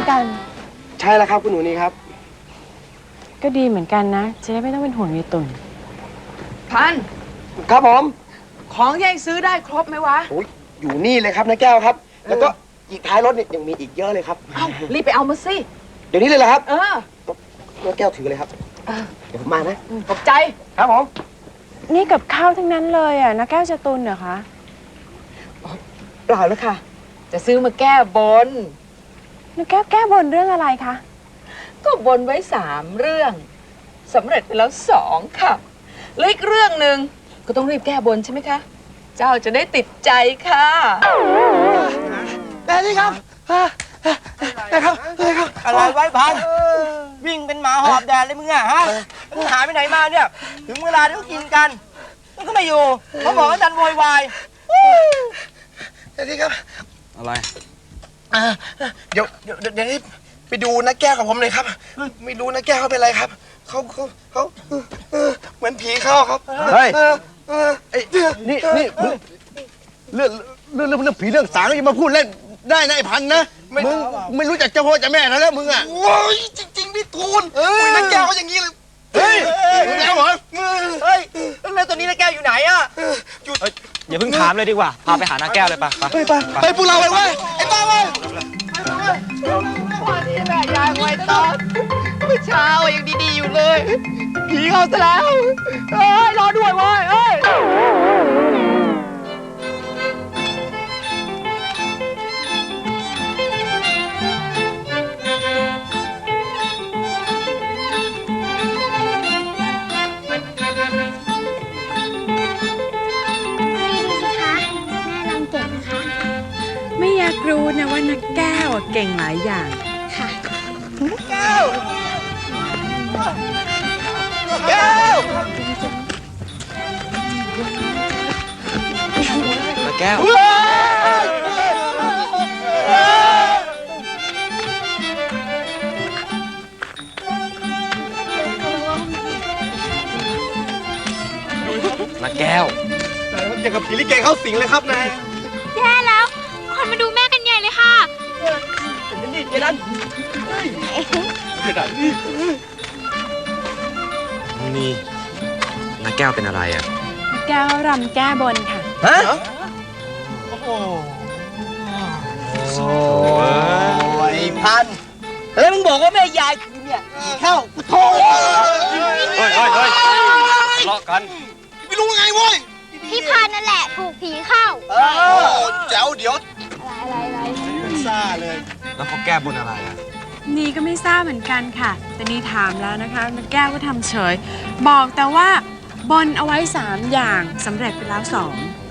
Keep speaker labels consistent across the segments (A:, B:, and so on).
A: ด้วยกัน
B: ใช่แล้วครับคุณหนูนี่ครับ
A: ก็ดีเหมือนกันนะจะได้ไม่ต้องเป็นห่วงยายตุ่น
C: พัน
B: ครับผม
C: ของยังซื้อได้ครบไหมวะ
B: อยู่นี่เลยครับน้าแก้วครับแล้วก็อีกท้ายรถเนี่ยยังมีอีกเยอะเลยครับ
C: รีบไปเอามาสิ
B: เดี๋ยวนี้เลยเหรอครับ
C: น้
B: าแก้วถือเลยครับเดี๋ยวผมมานะ
C: ขอบใจ
B: ครับผม
A: นี่กับข้าวทั้งนั้นเลยอ่ะน้าแก้วจะตุนเหรอคะ
C: เปล่าแล้วค่ะจะซื้อมาแก้บน
A: น้าแก้วแก้บนเรื่องอะไรคะ
C: ก็บนไว้3 เรื่องสำเร็จไปแล้ว2ค่ะแล้วอีกเรื่องหนึ่งก็ต้องรีบแก้บนใช่ไหมคะเจ้าจะได้ติดใจค่ะ
B: แต่นี่ครับนะครับ
D: อะไรไว้พันวิ่งเป็นหมาหอบแดดเลยมึงอะฮะมึงหายไปไหนมาเนี่ยถึงเวลาที่เขากินกันมึงก็ไม่อยู่เขาบอกว่าดันโวยวาย
B: แต่นี่ครับ
D: อะไร
B: เดี๋ยวนี้ไปดูน้าแก้วกับผมเลยครับไม่รู้น้าแก้วเขาเป็นไรครับเขาเหมือนผีเข้าครับ
D: เฮ้ยนี่เรื่องผีเรื่องสางอย่ามาพูดเล่นได้นะไอ้พันนะมึงไม่รู้จักเจ้าพ่อเจ้าแม่แล้วมึงอ่ะ
B: โอ้ยจริงๆพี่ทูลน้าแก้วเขาอย่างนี้เลย
D: เฮ้ยแล้วเหรอเฮ้ยแล้วตอนนี้น้าแก้วอยู่ไหนอ่ะ
E: อย่าเพิ่งถามเลยดีกว่าพาไปหาน้าแก้วเลยป่ะ
B: ไปพวกเราไปเว้ยไอ้ป้าเว้ย
C: วันนี้แม่ยายไว้ตอนเมื่อเช้ายังดีๆอยู่เลยผีเข้าซะแล้วรอด้วยเว้ย
A: ไม่อยากรู้นะว่านักแก้วเก่งหลายอย่างค่ะ
D: แก้วแก้ว
E: น้าแก้วน้าแก้ว
B: อย่างกับผีลิเกเข้าสิงเลยครับนาย
F: แย่แล้วคนมาดูแม่กันใหญ่เลยค่ะ
D: นี่เจดัน
E: นี่น้าแก้วเป็นอะไรอ่ะ
A: แก้วรำแก้บนค่ะ
D: ฮะ
B: โอ้โห
D: ไอ้พันแล้วมึงบอกว่าแม่ยายคือเนี่ยผีเข้าโธ่
E: เฮ้ยทะเลาะกัน
B: ไม่รู้ไงเว้ย
F: พี่พันนั่นแหละถูกผีเข้า
B: เจ้าเดี๋ยว
F: อะไร
B: ซ่าเลย
E: แล้วเขาแก้บนอะไรอ่ะ
A: นี่ก็ไม่ทราบเหมือนกันค่ะแต่นี่ถามแล้วนะคะนักแก้วก็ทำเฉยบอกแต่ว่าบนเอาไว้3 อย่างสำเร็จไปแล้ว2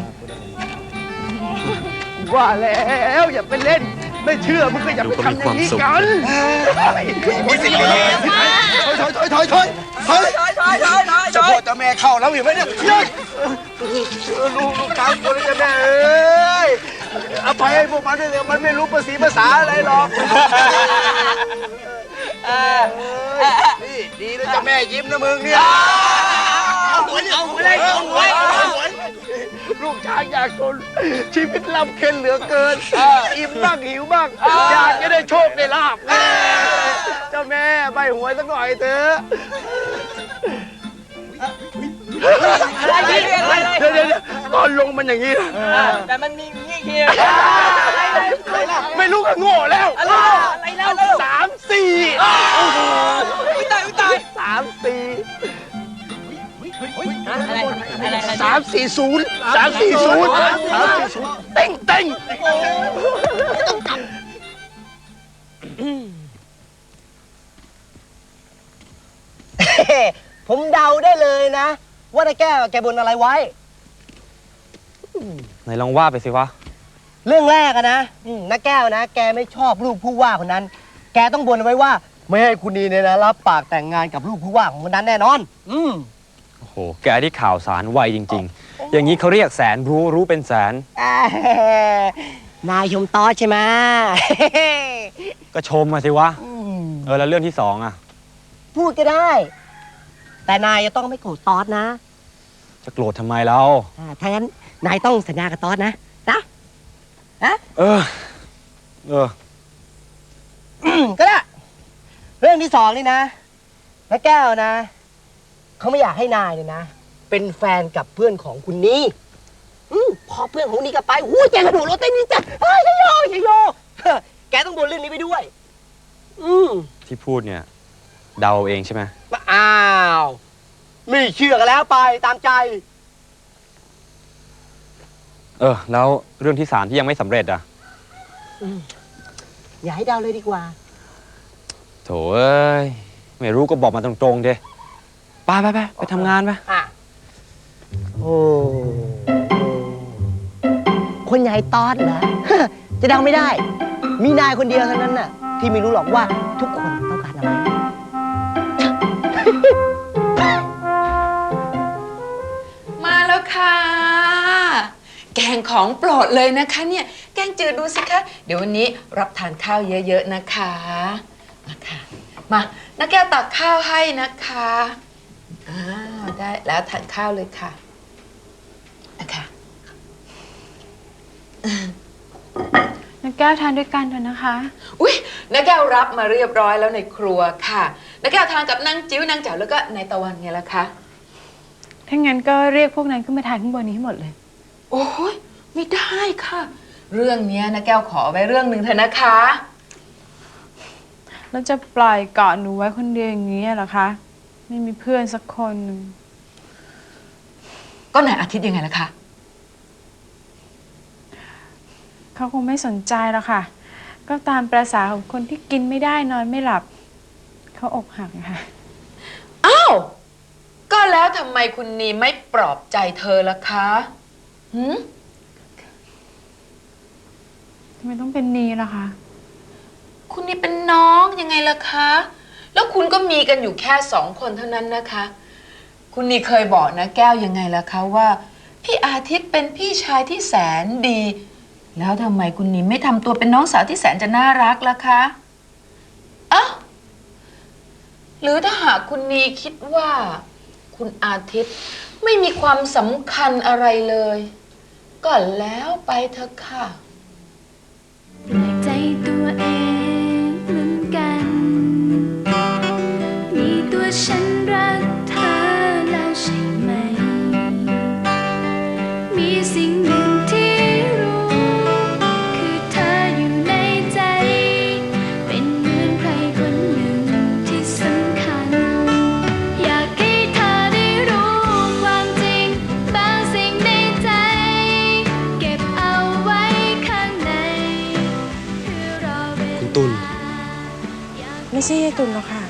D: ว่าแล้วอย่าไปเล่นไม่เชื่อมึงก็อย่าไปทำอย่างนี้กัน
B: มีสิ่งนี้ถอยเจ้าพ่อเจ้าแม่เข้าแล้วเห็นไหมเนี่ย
D: ลูกตามคนจะแม่เอ้ยอภัยให้พวกมันด้วยเลยมันไม่รู้ภาษาอะไรหรอกนี่ดีนะเจ้าแม่ยิ้มนะมึงเนี่ย
B: เอาหัว
D: ลูกชายอยากจนชีวิตลำเค็ญเหลือเกินอิ่มบ้างหิวบ้างอยากจะได้โชคได้ลาภเจ้าแม่ใบหวยสักหน่อยเถอะเดี๋ยวตอนลงมันอย่างนี้
C: แต่มันมีงี้เฮีย
D: ไม่รู้ก็โง่แล้ว
C: อะไรแล้ว
D: 3 4
C: ตาย
D: 3 4
C: 340
D: เต็งผมเดาได้เลยนะว่าน้าแก้วแกบนอะไรไว้
E: ไหนลองว่าไปสิวะ
D: เรื่องแรกอะนะน้าแก้วนะแกไม่ชอบลูกผู้ว่าคนนั้นแกต้องบนไว้ว่าไม่ให้คุณนีเนี่ยนะรับปากแต่งงานกับลูกผู้ว่าของคนนั้นแน่นอน
E: โอ้โหแกที่ข่าวสารไวจริงๆอย่างนี้เขาเรียกแสนรู้เป็นแสน
D: นายชมต้อใช่ไหม
E: ก็ชมมาสิวะแล้วเรื่องที่2อ่ะ
D: พูดก็ได้แต่นายจะต้องไม่โกรธตอสนะ
E: จะโกรธทำไมเรา
D: ถ้างั้นนายต้องสัญญากับตอสนะ
E: เออ
G: รื่องที่สองนี่นะแม่แก้วนะเขาไม่อยากให้นายเนี่ยนะเป็นแฟนกับเพื่อนของคุณนี่พอเพื่อนของนี่ก็ไปแกกระโดดรถเต้นนี่จ้ะเฮ้ยชัยโยแกต้องบนเรื่องนี้ไปด้วย
E: ที่พูดเนี่ยเดาเองใช่ไหม
G: อ้าวไม่เชื่อกันแล้วไปตามใจ
E: แล้วเรื่องที่3ที่ยังไม่สำเร็จอ่ะ
G: อย่าให้เดาเลยดีกว่า
E: โถเอ้ยไม่รู้ก็บอกมาตรงๆเด้ไปทำงานไป
G: โอ้คนใหญ่ตอดเหรอ จะเดาไม่ได้ มีนายคนเดียวเท่านั้นน่ะที่ไม่รู้หรอกว่าทุกคนต้องการอะไร
C: มาแล้วค่ะ แกงของโปรดเลยนะคะเนี่ยแกงจืดดูสิคะเดี๋ยววันนี้รับทานข้าวเยอะๆนะคะมาค่ะมาน้าแก้วตักข้าวให้นะคะได้แล้วทานข้าวเลยค่ะนะคะ
A: น้าแก้วทานด้วยกันเถอะนะคะ
C: อุ๊ยน้าแก้วรับมาเรียบร้อยแล้วในครัวค่ะน้าแก้วทานกับนางจิ้วนางแจ๋วแล้วก็นายตะวันไงล่ะคะ
A: ถ้างั้นก็เรียกพวกนั้นขึ้นมาทานข้างบนนี้ให้หมดเลย
C: โอ้ยไม่ได้ค่ะ เรื่องนี้น้าแก้วขอไว้เรื่องหนึ่งเถอะนะคะ
A: แล้วจะปล่อยเกาะหนูไว้คนเดียวอย่างนี้เหรอคะ ไม่มีเพื่อนสักคนหนึ่ง
C: ก็นายอาทิตย์ยังไงล่ะคะ
A: เขาคงไม่สนใจหรอกค่ะ ก็ตามประสาของคนที่กินไม่ได้นอนไม่หลับ เขาอกหักนะคะ
C: อ้าว ก็แล้วทำไมคุณนีไม่ปลอบใจเธอล่ะคะหืม
A: ทำไมต้องเป็นนีล่ะคะ
C: คุณนีเป็นน้องยังไงล่ะคะ แล้วคุณก็มีกันอยู่แค่2 คนเท่านั้นนะคะ คุณนีเคยบอกนะแก้วยังไงล่ะคะว่า พี่อาทิตย์เป็นพี่ชายที่แสนดี แล้วทำไมคุณนีไม่ทำตัวเป็นน้องสาวที่แสนจะน่ารักล่ะคะอ้าวหรือถ้าหากคุณนีคิดว่า คุณอาทิตย์ไม่มีความสำคัญอะไรเลยก็แล้วไปเถอะค่ะ
F: แปลกใจตัวเองเหมือนกัน มีตัวฉันรักเธอแล้วใช่ไหม มีสิ่งหนึ่งที่รู้ คือเธออยู่ในใจ เป็นเหมือนใครคนหนึ่งที่สำคัญ อยากให้เธอได้รู้ความจริงบางสิ่งในใจ เก็บเอาไว้ข้างใน
B: คุณตุล
A: ไม่ใช่ยายตุลหรอกค่ะ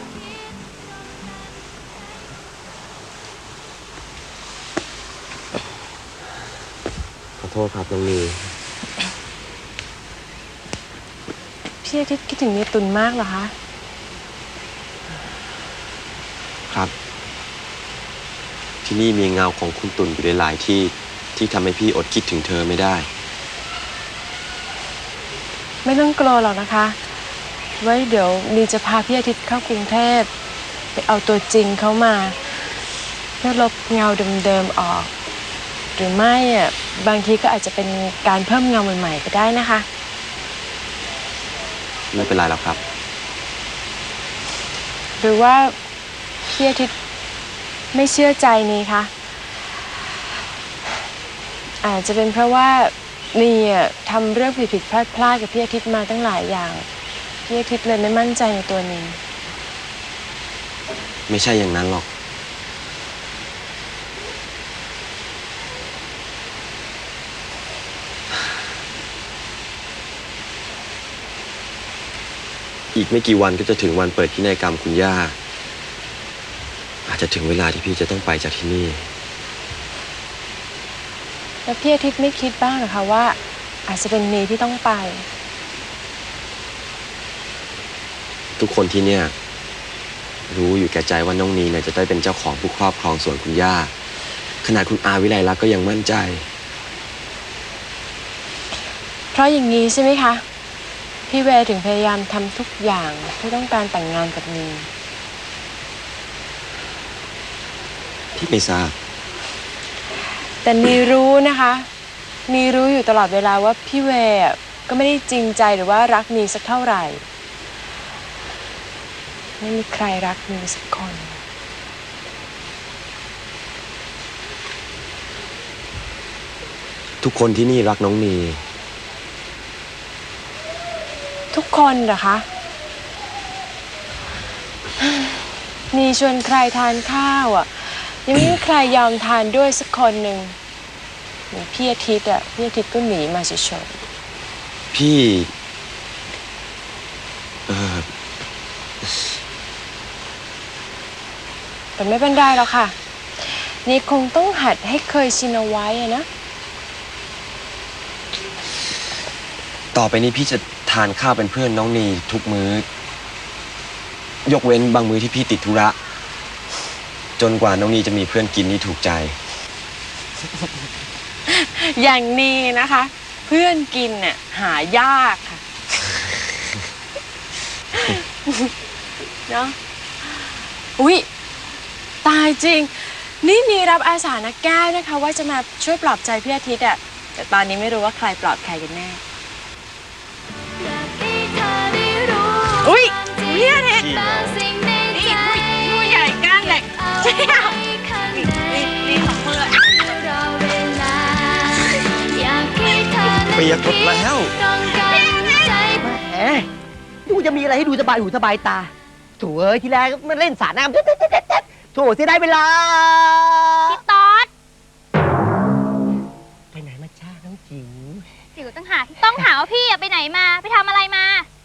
B: ขอโทษครับน้องนี
A: พี่อาทิตย์คิดถึงยายตุลมากเหรอคะ
H: ครับ ที่นี่มีเงาของคุณตุ่นอยู่หลายๆที่ที่ทำให้พี่อดคิดถึงเธอไม่ได้
A: ไม่ต้องกลัวหรอกนะคะ ไว้เดี๋ยวนีจะพาพี่อาทิตย์เข้ากรุงเทพไปเอาตัวจริงเขามา เพื่อลบเงาเดิมๆออก หรือไม่บางทีก็อาจจะเป็นการเพิ่มเงาใหม่ๆก็ได้นะคะ
H: ไม่เป็นไรหรอกครับ
A: หรือว่าพี่อาทิตย์ไม่เชื่อใจนีคะอาจจะเป็นเพราะว่านีทำเรื่องผิดๆพลาดๆกับพี่อาทิตย์มาตั้งหลายอย่างพี่อาทิตย์เลยไม่มั่นใจในตัวนี
H: ไม่ใช่อย่างนั้นหรอก อีกไม่กี่วันก็จะถึงวันเปิดพินัยกรรมคุณย่า อาจจะถึงเวลาที่พี่จะต้องไปจากที่นี่
A: แล้วพี่อาทิตย์ไม่คิดบ้างเหรอคะว่า อาจจะเป็นนีที่ต้องไป
H: ทุกคนที่เนี่ยรู้อยู่แก่ใจว่าน้องนีเนี่ยจะได้เป็นเจ้าของผู้ครอบครองสวนคุณย่า ขนาดคุณอาวิไลลักษณ์ก็ยังมั่นใจ
A: เพราะอย่างนี้ใช่ไหมคะ พี่เวย์ถึงพยายามทำทุกอย่างเพื่อต้องการแต่งงานกับนี
H: พี่ไม่ทราบ
A: แต่นีรู้นะคะนีรู้อยู่ตลอดเวลาว่าพี่เวย์ก็ไม่ได้จริงใจหรือว่ารักนีสักเท่าไหร่ไม่มีใครรักนีสักคน
H: ทุกคนที่นี่รักน้องนี
A: ทุกคนเหรอคะ นีชวนใครทานข้าวอ่ะ ยังไม่มีใครยอมทานด้วยสักคนหนึ่งเหมือนพี่อาทิตย์อ่ะ พี่อาทิตย์ก็หนีมาเฉย
H: พี่
A: ๆแต่ไม่เป็นไรหรอกค่ะ นี่คงต้องหัดให้เคยชินเอาไว้อะนะ
H: ต่อไปนี้พี่จะทานข้าวเป็นเพื่อนน้องนีทุกมื้อ ยกเว้นบางมื้อที่พี่ติดธุระ จนกว่าน้องนีจะมีเพื่อนกินนี่ถูกใจ
A: อย่างนี้นะคะ เพื่อนกินเนี่ยหายากค่ะ เนาะอุ๊ย ตายจริง นี่รับอาสานักแก้วนะคะ ว่าจะมาช่วยปลอบใจพี่อาทิตย์อะแต่ตอนนี้ไม่รู้ว่าใครปลอบใครกันแน่ อุ๊ยพี่อาทิตย์นี่ผู้ใหญ่ก้านเหล็กนี่ของเพื่อน
H: เปียกหมดแล้ว
G: แหมดูจะมีอะไรให้ดูสบายหูสบายตาโถ่เอ้ยทีแรกมันเล่นสาดน้ำโถ่เสียดายเวลา
I: พี่ต๊อด
G: ไปไหนมาจ้าน้องจิ๋ว
I: จิ๋วต้องหาว่าพี่อะไปไหนมาไปทำอะไรมา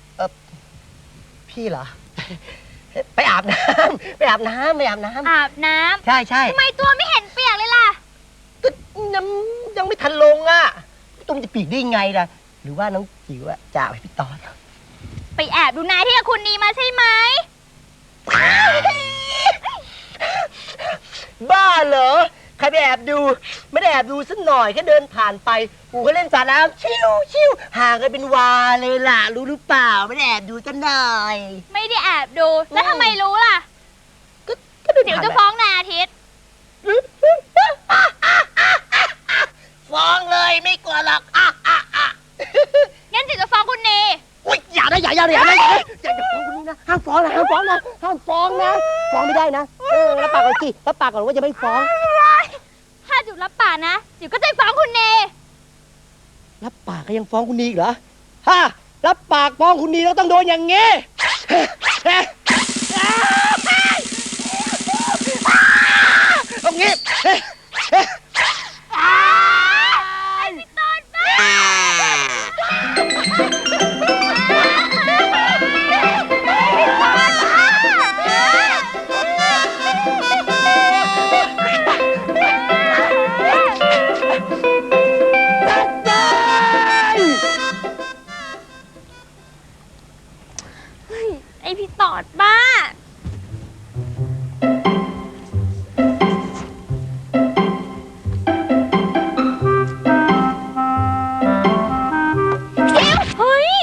G: พี่เหรอ ไปอาบน้ำไปอาบน้ำ
I: อาบน้ำ
G: ใช่ใช่
I: ทำไมตัวไม่เห็นเปียกเลยล่ะ
G: ก็ยังไม่ทันลงอ่ะตุ้มจะปีกได้ไงล่ะ หรือว่าน้องจิ๋วอะจะไปพี่ตอน
I: ไปแอบดูนายที่กับคุณนีมาใช่ไหม
G: บ้าเหรอ ใครไปแอบดู ไม่ได้แอบดูสักหน่อยแค่เดินผ่านไปกูก็เล่นสาดน้ำชิวห่างกันเป็นวาเลยล่ะ รู้หรือเปล่า ไม่ได้แอบดูสักหน่อย
I: ไม่ได้แอบดูแล้วทำไมรู้ล่ะ
G: ก็เดิน
I: จิ๋ว
G: ผ่าน
I: จะ
G: ไป
I: ฟ้องนายอาทิตย์
G: ฟ้องเลยไม่กลัวหรอก
I: งั้นจิ๋วจะฟ้องคุณนี
G: โอ๊ยอย่านะอย่าฟ้องคนนี้นะห้ามฟ้องนะฟ้องไม่ได้นะรับปากก่อนสิรับปากก่อนว่าจะไม่ฟ้อง
I: ถ้าจิ๋วรับปากนะจิ๋วก็จะฟ้องคุณนี
G: รับปากก็ยังฟ้องคุณนีอีกเหรอฮะรับปากฟ้องคุณนีแล้วต้องโดนอย่างงี้ตรงนี้
I: พี่ต๊อดบ้า ไอพี่ตอดบ้า เฮ้ย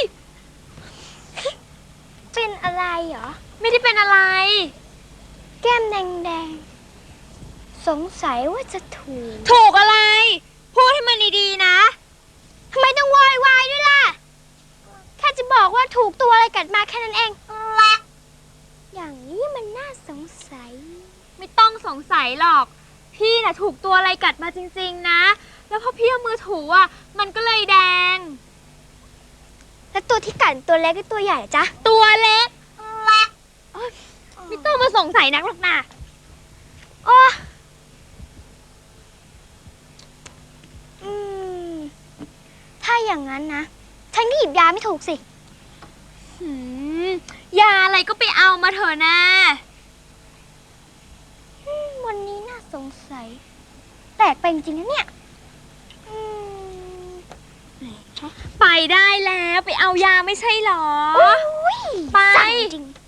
F: เป็นอะไรเหรอ
I: ไม่ได้เป็นอะไร
F: แก้มแดงๆ สงสัยว่าจะถูก
I: ถูกอะไร พูดให้มันดีๆนะ
F: ทำไมต้องวอยวายด้วยล่ะ แค่จะบอกว่าถูกตัวอะไรกัดมาแค่นั้นเอง อย่างนี้มันน่าสงสัย
I: ไม่ต้องสงสัยหรอก พี่น่ะถูกตัวอะไรกัดมาจริงๆนะ แล้วพอพี่เอามือถูอ่ะ มันก็เลยแดง
F: แล้วตัวที่กัดตัวเล็กหรือตัวใหญ่จ๊ะ
I: ตัวเล็กโอ๊ยไม่ต้องมาสงสัยนักหรอกนะ
F: โอ้ถ้าอย่างนั้นนะ ฉันก็หยิบยาไม่ถูกสิ
I: ยาอะไรก็ไปเอามาเถอะนะ
F: วันนี้น่าสงสัย แปลกไปจริงๆนะเนี่ย
I: ไปได้แล้วไปเอายาไม่ใช่หรอ
F: โอ้ย
I: ไป
F: สั่งจริง